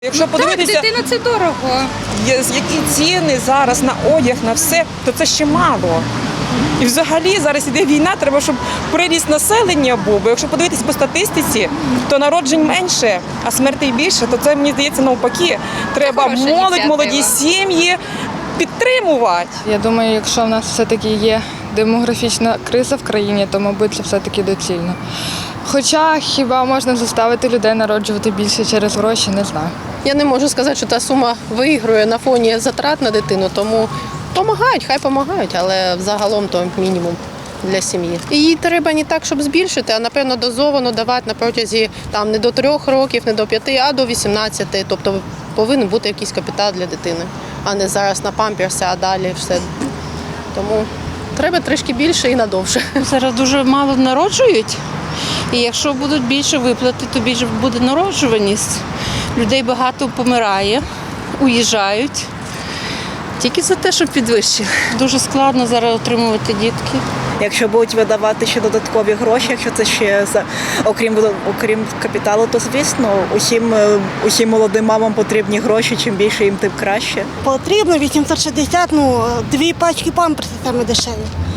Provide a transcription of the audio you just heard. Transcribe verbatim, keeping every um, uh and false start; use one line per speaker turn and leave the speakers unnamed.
Якщо подивитися,
Так, дитина – це дорого.
є- які ціни зараз на одяг, на все, то це ще мало. І взагалі зараз іде війна, треба, щоб приріст населення був. Бо якщо подивитись по статистиці, то народжень менше, а смертей більше, то це, мені здається, навпаки. Треба
хороша
молодь,
ініціатива.
молоді сім'ї підтримувати.
Я думаю, якщо в нас все-таки є демографічна криза в країні, то, мабуть, це все-таки доцільно. Хоча хіба можна заставити людей народжувати більше через гроші, не знаю.
Я не можу сказати, що та сума виграє на фоні затрат на дитину, тому допомагають, хай допомагають, але взагалом то мінімум для сім'ї. І її треба не так, щоб збільшити, а напевно дозовано давати на протязі там не до трьох років, не до п'яти, а до вісімнадцяти. Тобто повинен бути якийсь капітал для дитини, а не зараз на памперси, а далі все. Тому треба трішки більше і надовше.
Зараз дуже мало народжують, і якщо будуть більше виплати, то більше буде народжуваність. Людей багато помирає, уїжджають. Тільки за те, щоб підвищили. Дуже складно зараз отримувати дітки.
Якщо будуть видавати ще додаткові гроші, якщо це ще за окрім окрім капіталу, то звісно усім усім молодим мамам потрібні гроші. Чим більше їм, тим краще.
Потрібно вісімсот шістдесят, ну, дві пачки памперсів саме дешеві.